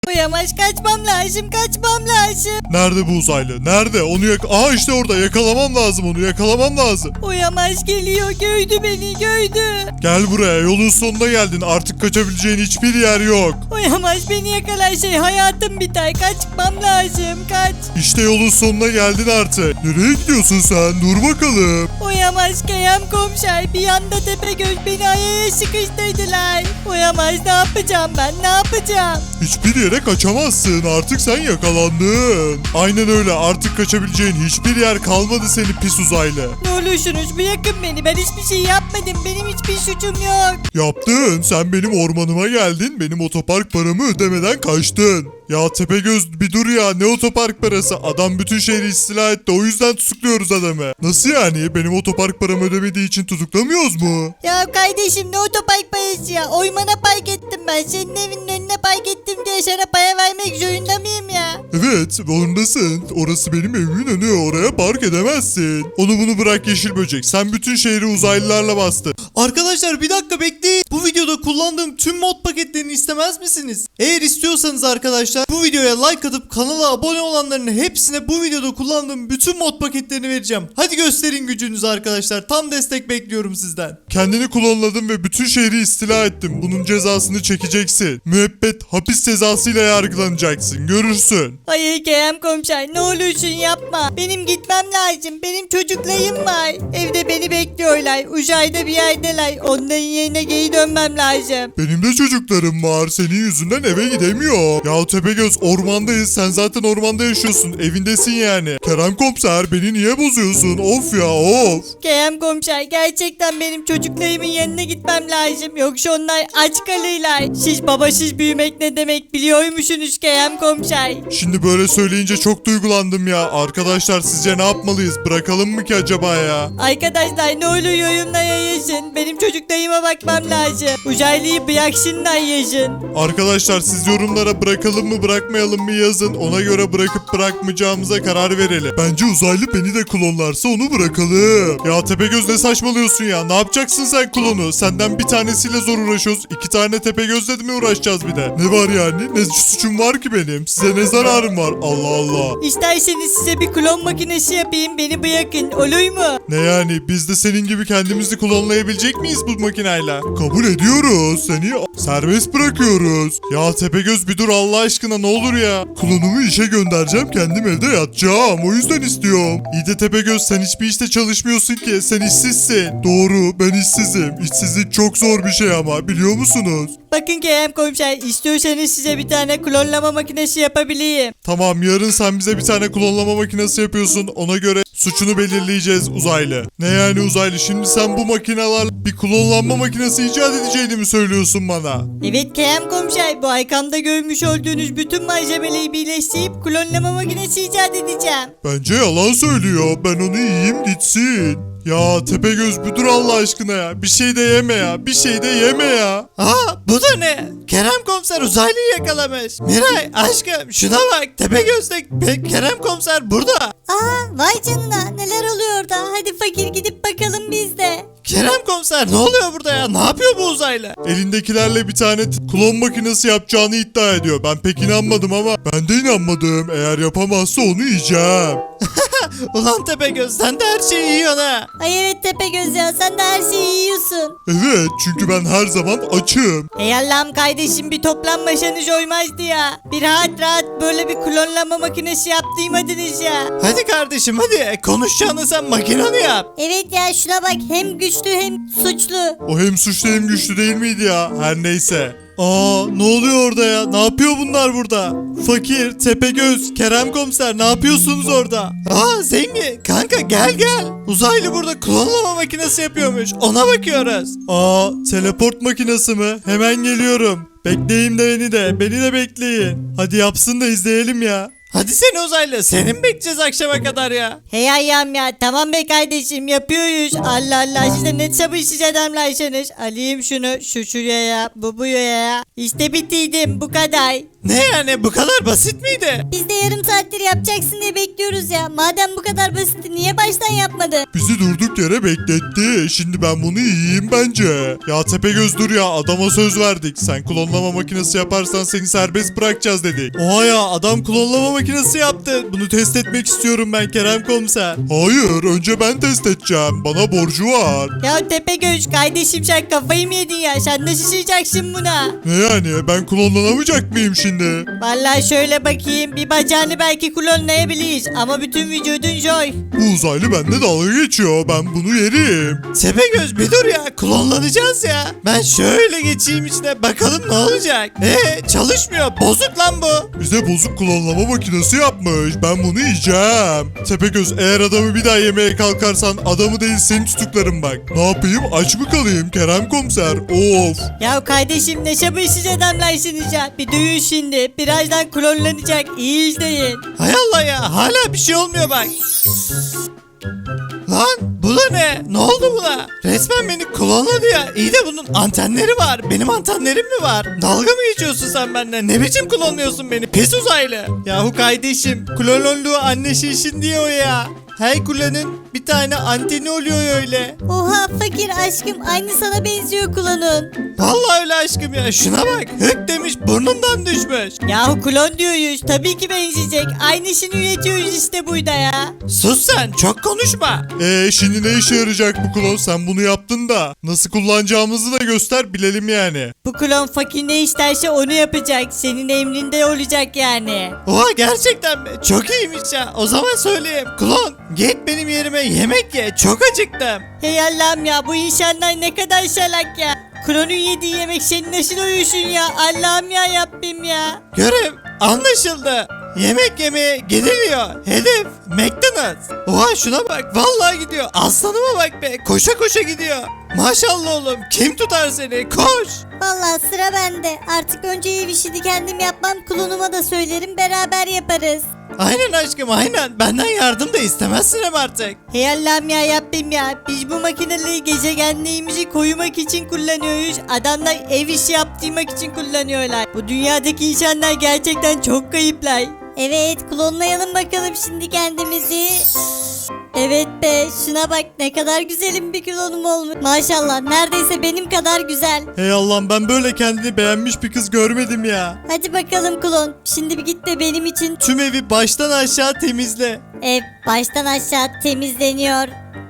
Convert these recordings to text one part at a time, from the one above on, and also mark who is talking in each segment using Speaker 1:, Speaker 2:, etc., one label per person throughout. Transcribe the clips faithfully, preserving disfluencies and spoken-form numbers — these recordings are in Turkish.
Speaker 1: Uyamaz, kaçmam lazım, kaçmam lazım.
Speaker 2: Nerede bu uzaylı? Nerede? Onu yak... Aa işte orada. Yakalamam lazım onu. Yakalamam lazım.
Speaker 1: Uyamaz geliyor, gördü beni, gördü.
Speaker 2: Gel buraya. Yolun sonuna geldin. Artık kaçabileceğin hiçbir yer yok.
Speaker 1: Uyamaz, beni yakalarsa hayatım biter. Kaçmam lazım, kaç.
Speaker 2: İşte yolun sonuna geldin artık. Nereye gidiyorsun sen? Dur bakalım.
Speaker 1: Uyamaz Kerem komiser, bir anda Tepegöz beni ayağına sıkıştırdılar. Uyamaz, ne yapacağım ben, ne yapacağım?
Speaker 2: Hiçbir yere kaçamazsın. Artık sen yakalandın. Aynen öyle. Artık kaçabileceğin hiçbir yer kalmadı senin pis uzaylı.
Speaker 1: Ne olursunuz bırakın beni, ben hiçbir şey yapmadım, benim hiçbir suçum yok.
Speaker 2: Yaptın. Sen benim ormanıma geldin. Benim otopark paramı ödemeden kaçtın. Ya Tepegöz bir dur ya. Ne otopark parası? Adam bütün şehri istila etti. O yüzden tutukluyoruz adamı. Nasıl yani? Benim otopark paramı ödemediği için tutuklamıyoruz mu?
Speaker 1: Ya kardeşim, ne otopark parası ya? Oymana park ettim ben, senin evinin önüne park ettim diye sana para vermek zorunda mıyım ya?
Speaker 2: Evet, zorundasın. Orası benim evimin önü. Oraya park edemezsin. Onu bunu bırak yeşil böcek. Sen bütün şehri uzaylılarla bastın.
Speaker 3: Arkadaşlar bir dakika bekleyin. Bu videoda kullandığım tüm mod paketlerini istemez misiniz? Eğer istiyorsanız arkadaşlar bu videoya like atıp kanala abone olanların hepsine bu videoda kullandığım bütün mod paketlerini vereceğim. Hadi gösterin gücünüzü arkadaşlar. Tam destek bekliyorum sizden.
Speaker 2: Kendini klonladın ve bütün şehri istila ettin. Bunun cezasını çekeceksin. Müebbet hapis cezasıyla yargılanacaksın. Görürsün.
Speaker 1: Hayır Kerem komiser, ne olursun yapma. Benim gitmem lazım, benim çocuklarım var. Evde beni bekliyorlar, uzayda bir yerdeler. Onların yerine geri dönmem lazım.
Speaker 2: Benim de çocuklarım var. Senin yüzünden eve gidemiyor. Ya Tepegöz ormandayız. Sen zaten ormanda yaşıyorsun. Evindesin yani. Kerem komiser beni niye bozuyorsun? Of ya of.
Speaker 1: Kerem komiser, gerçekten benim çocuklarımın yanına gitmem lazım. Yoksa onlar aç kalırlar. Siz babasız büyümek ne demek biliyor musunuz Kerem komiser?
Speaker 2: Şimdi böyle söyleyince çok duygulandım ya. Arkadaşlar sizce ne yapmalıyız? Bırakalım mı ki acaba ya?
Speaker 1: Arkadaşlar ne olur yorumlara yazın. Benim çocuklarıma bakmam lazım. Uzaylıyı bıraksınlar yazın.
Speaker 2: Arkadaşlar siz yorumlara bırakalım mı bırakmayalım mı yazın. Ona göre bırakıp bırakmayacağımıza karar verelim. Bence uzaylı beni de klonlarsa onu bırakalım. Ya Tepegöz ne saçmalıyorsun ya? Ne yapacaksın sen klonu? Senden bir tanesiyle zor uğraşıyoruz. İki tane Tepegözle mi uğraşacağız bir de? Ne var yani? Ne suçum var ki benim? Size ne zararım var? Allah Allah.
Speaker 1: İsterseniz size bir klon makinesi yapayım, beni bırakın, olur mu?
Speaker 2: Ne yani? Biz de senin gibi kendimizi klonlayabilecek miyiz bu makineyle? Kabul ediyoruz. Seni serbest bırakıyoruz. Ya Tepegöz bir dur Allah aşkına ne olur ya. Klonumu işe göndereceğim. Kendim evde yatacağım. O yüzden istiyorum. İyi de Tepegöz sen hiçbir işte çalışmıyorsun ki. Sen işsizsin. Doğru ben işsizim. İşsizlik çok zor bir şey ama biliyor musunuz?
Speaker 1: Bakın Kerem komiser, istiyorsanız size bir tane klonlama makinesi yapabileyim.
Speaker 2: Tamam yarın sen bize bir tane klonlama makinesi yapıyorsun. Ona göre suçunu belirleyeceğiz uzaylı. Ne yani uzaylı? Şimdi sen bu makineler bir klonlanma makinesi icat edeceğini mi söylüyorsun bana?
Speaker 1: Evet Kerem komiser, bu arkamda görmüş olduğunuz bütün malzemeleri birleştirip klonlama makinesi icat edeceğim.
Speaker 2: Bence yalan söylüyor. Ben onu yiyeyim gitsin. Ya Tepegöz bir dur Allah aşkına ya. Bir şey de yeme ya. Bir şey de yeme ya.
Speaker 3: Aa bu da ne? Kerem komiser uzaylıyı yakalamış. Miray aşkım şuna bak. Tepegöz'de Pe- Kerem komiser burada.
Speaker 1: Aa, vay canına, neler oluyor orada? Hadi fakir, gidip bakalım biz de.
Speaker 3: Kerem komiser ne oluyor burada ya? Ne yapıyor bu uzaylı?
Speaker 2: Elindekilerle bir tane t- klon makinesi yapacağını iddia ediyor. Ben pek inanmadım ama ben de inanmadım. Eğer yapamazsa onu yiyeceğim.
Speaker 3: Ulan Tepegöz sen de her şeyi yiyorsun ha.
Speaker 1: Ay evet Tepegöz ya, sen de her şeyi yiyorsun.
Speaker 2: Evet çünkü ben her zaman açım.
Speaker 1: Ey Allah'ım kardeşim, bir toplanmasanız olmazdı ya. Bir rahat rahat böyle bir klonlama makinesi yaptırmadınız ya.
Speaker 3: Hadi kardeşim hadi konuşacağını sen makinanı yap.
Speaker 1: Evet ya, şuna bak, hem güçlü hem suçlu.
Speaker 2: O hem suçlu hem güçlü değil miydi ya? Her neyse. Aa ne oluyor orada ya? Ne yapıyor bunlar burada? Fakir, Tepegöz, Kerem komiser ne yapıyorsunuz orada?
Speaker 3: Aa zengin kanka gel gel. Uzaylı burada klonlama makinesi yapıyormuş. Ona bakıyoruz.
Speaker 2: Aa teleport makinesi mi? Hemen geliyorum. Bekleyin de beni de. Beni de bekleyin. Hadi yapsın da izleyelim ya.
Speaker 3: Hadi seni uzaylı. Senin mi bekleyeceğiz akşama kadar ya?
Speaker 1: Hey ayağım ya, tamam be kardeşim, yapıyoruz. Allah Allah, siz de ne sabırsız adamlarsınız. Alayım şunu, şu şuraya, bu buraya. İşte bitirdim, bu kadar.
Speaker 3: Ne yani, bu kadar basit miydi?
Speaker 4: Biz de yarım saattir yapacaksın diye bekliyoruz ya. Madem bu kadar basitti niye baştan yapmadın?
Speaker 2: Bizi durduk yere bekletti. Şimdi ben bunu yiyeyim bence. Ya Tepegöz dur ya, adama söz verdik. Sen klonlama makinesi yaparsan seni serbest bırakacağız dedik.
Speaker 3: Oha ya, adam klonlama makinesi yaptı. Bunu test etmek istiyorum ben Kerem Komiser.
Speaker 2: Hayır, önce ben test edeceğim. Bana borcu var.
Speaker 1: Ya Tepegöz kardeşim sen kafayı mı yedin ya? Sen nasıl şişeceksin buna?
Speaker 2: Ne yani, ben klonlanamayacak mıyım şimdi?
Speaker 1: Vallahi şöyle bakayım bir bacağını belki klonlayabiliriz ama bütün vücudun joy.
Speaker 2: Bu uzaylı bende dalga geçiyor. Ben bunu yerim.
Speaker 3: Tepegöz bir dur ya, klonlanacağız ya. Ben şöyle geçeyim içine, bakalım ne olacak. Eee çalışmıyor, bozuk lan bu.
Speaker 2: Bize bozuk klonlama makinesi yapmış. Ben bunu yiyeceğim. Tepegöz, eğer adamı bir daha yemeye kalkarsan adamı değil seni tutuklarım bak. Ne yapayım, aç mı kalayım Kerem Komiser? Of.
Speaker 1: Ya kardeşim ne şabırsız adamlarsınız ya. Bir duyun şimdi birazdan klonlanacak iyi izleyin.
Speaker 3: Hay Allah ya, hala bir şey olmuyor bak. Lan bu da ne? Ne oldu buna? Resmen beni klonladı ya. İyi de bunun antenleri var. Benim antenlerim mi var? Dalga mı geçiyorsun sen benden? Ne biçim klonluyorsun beni? Pis uzaylı. Yahu kardeşim, klononluğu anne şişin diyor ya. Her klonun bir tane anteni oluyor öyle.
Speaker 4: Oha fakir aşkım aynı sana benziyor klonun.
Speaker 3: Vallahi öyle aşkım ya. Şuna bak. Hık demiş, burnundan düşmüş.
Speaker 1: Yahu klon diyoruz tabii ki benzeyecek. Aynısını üretiyoruz işte burada ya.
Speaker 3: Sus sen, çok konuşma.
Speaker 2: Eee şimdi ne işe yarayacak bu klon? Sen bunu yaptın da. Nasıl kullanacağımızı da göster bilelim yani.
Speaker 1: Bu klon fakir ne isterse onu yapacak. Senin emrinde olacak yani.
Speaker 3: Oha, gerçekten mi? Çok iyiymiş ya. O zaman söyleyeyim. Klon, git benim yerime yemek ye. Çok acıktım.
Speaker 1: Hey Allah'ım ya bu insanlar ne kadar salak ya. Klonun yediği yemek seni nasıl uyusun ya? Allah'ım ya Rabbim ya.
Speaker 3: Görev anlaşıldı. Yemek yemeye gidiliyor. Hedef McDonald's. Oha şuna bak, vallahi gidiyor. Aslanıma bak be, koşa koşa gidiyor. Maşallah oğlum, kim tutar seni? Koş.
Speaker 4: Vallahi sıra bende. Artık önce ev işini kendim yapmam. Klonuma da söylerim beraber yaparız.
Speaker 3: Aynen aşkım, aynen. Benden yardım da istemezsin hem artık.
Speaker 1: Hey Allah'ım ya Rabbim ya. Biz bu makineleri gezegenliğimizi korumak için kullanıyoruz. Adamlar ev işi yaptırmak için kullanıyorlar. Bu dünyadaki insanlar gerçekten çok kayıplar.
Speaker 4: Evet klonlayalım bakalım şimdi kendimizi. Evet be şuna bak ne kadar güzelim bir klonum olmuş. Maşallah neredeyse benim kadar güzel.
Speaker 3: Hey Allah'ım, ben böyle kendini beğenmiş bir kız görmedim ya.
Speaker 4: Hadi bakalım klon. Şimdi bir git de benim için
Speaker 3: Tüm evi baştan aşağı temizle.
Speaker 4: ev baştan aşağı temizleniyor.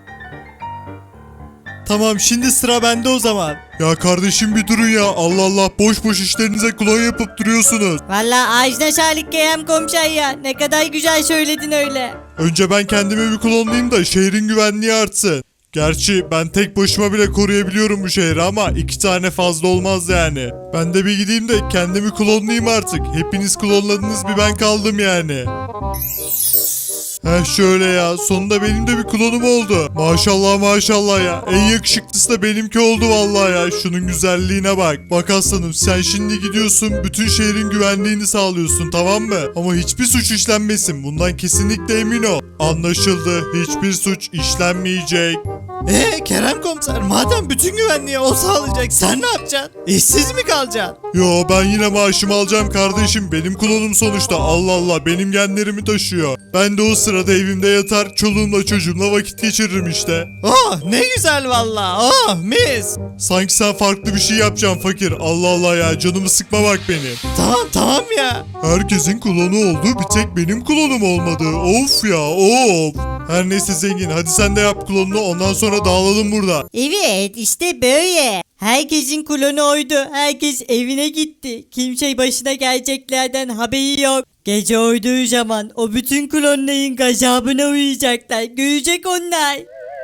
Speaker 3: Tamam, şimdi sıra bende o zaman.
Speaker 2: Ya kardeşim bir durun ya. Allah Allah, boş boş işlerinize klon yapıp duruyorsunuz.
Speaker 1: Valla ağacına şalik Kerem komiser ya. Ne kadar güzel söyledin öyle.
Speaker 2: Önce ben kendimi bir klonlayayım da şehrin güvenliği artsın. Gerçi ben tek başıma bile koruyabiliyorum bu şehri ama iki tane fazla olmaz yani. Ben de bir gideyim de kendimi klonlayayım artık. Hepiniz klonladınız, bir ben kaldım yani. Heh şöyle ya, sonunda benim de bir klonum oldu. Maşallah maşallah ya, en yakışıklısı da benimki oldu vallahi ya. Şunun güzelliğine bak. Bak aslanım, sen şimdi gidiyorsun bütün şehrin güvenliğini sağlıyorsun, tamam mı? Ama hiçbir suç işlenmesin, bundan kesinlikle emin ol. Anlaşıldı, hiçbir suç işlenmeyecek.
Speaker 3: Ee Kerem Komiser, madem bütün güvenliği o sağlayacak, sen ne yapacaksın? İşsiz mi kalacaksın?
Speaker 2: Yo, ben yine maaşımı alacağım kardeşim, benim klonum sonuçta. Allah Allah, benim genlerimi taşıyor. Ben de o sırada evimde yatar çoluğumla çocuğumla vakit geçiririm işte.
Speaker 3: Oh ne güzel valla, oh mis.
Speaker 2: Sanki sen farklı bir şey yapacaksın fakir. Allah Allah ya, canımı sıkma bak benim.
Speaker 3: Tamam tamam ya.
Speaker 2: Herkesin klonu oldu, bir tek benim klonum olmadı. Of ya of. Her neyse zengin, hadi sen de yap klonunu, ondan sonra dağılalım burada.
Speaker 1: Evet işte böyle. Herkesin klonu oydu. Herkes evine gitti. Kimse başına geleceklerden haberi yok. Gece oyduğu zaman o bütün klonların gazabına uyuyacaklar. Görecek onlar.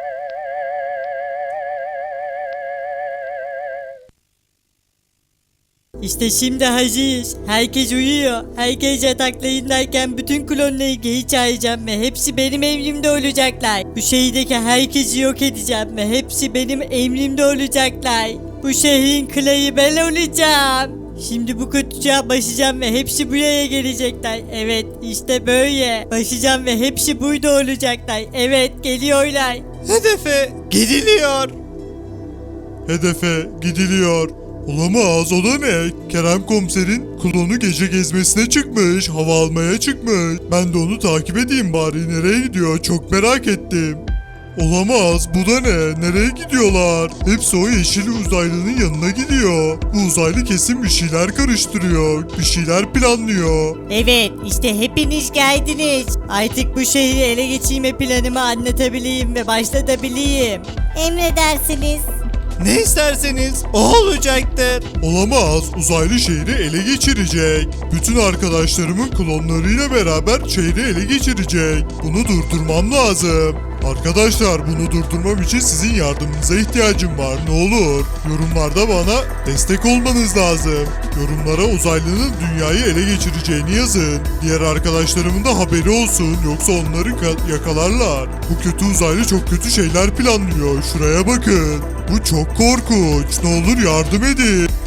Speaker 1: İşte şimdi hazırız. Herkes uyuyor. Herkes yataklarındayken bütün klonları geri çağıracağım ve hepsi benim emrimde olacaklar. Bu şehirdeki herkesi yok edeceğim ve hepsi benim emrimde olacaklar. Bu şehrin kralı ben olacağım. Şimdi bu kutucuğa başlayacağım ve hepsi buraya gelecekler. Evet işte böyle. Başlayacağım ve hepsi burada olacaklar. Evet geliyorlar.
Speaker 3: Hedefe gidiliyor.
Speaker 2: Hedefe gidiliyor. Olamaz, o da ne? Kerem komiserin klonu gece gezmesine çıkmış, hava almaya çıkmış. Ben de onu takip edeyim bari, nereye gidiyor çok merak ettim. Olamaz, bu da ne? Nereye gidiyorlar? Hepsi o yeşil uzaylının yanına gidiyor. Bu uzaylı kesin bir şeyler karıştırıyor, bir şeyler planlıyor.
Speaker 1: Evet işte hepiniz geldiniz. Artık bu şehri ele geçirme planımı anlatabileyim ve başlatabileyim.
Speaker 4: Emredersiniz.
Speaker 3: Ne isterseniz o olacaktır.
Speaker 2: Olamaz, uzaylı şehri ele geçirecek. Bütün arkadaşlarımın klonlarıyla beraber şehri ele geçirecek. Bunu durdurmam lazım. Arkadaşlar, bunu durdurmam için sizin yardımınıza ihtiyacım var. Ne olur yorumlarda bana destek olmanız lazım. Yorumlara uzaylının dünyayı ele geçireceğini yazın. Diğer arkadaşlarımın da haberi olsun, yoksa onları ka- yakalarlar. Bu kötü uzaylı çok kötü şeyler planlıyor. Şuraya bakın. Bu çok korkunç. Ne olur yardım edin.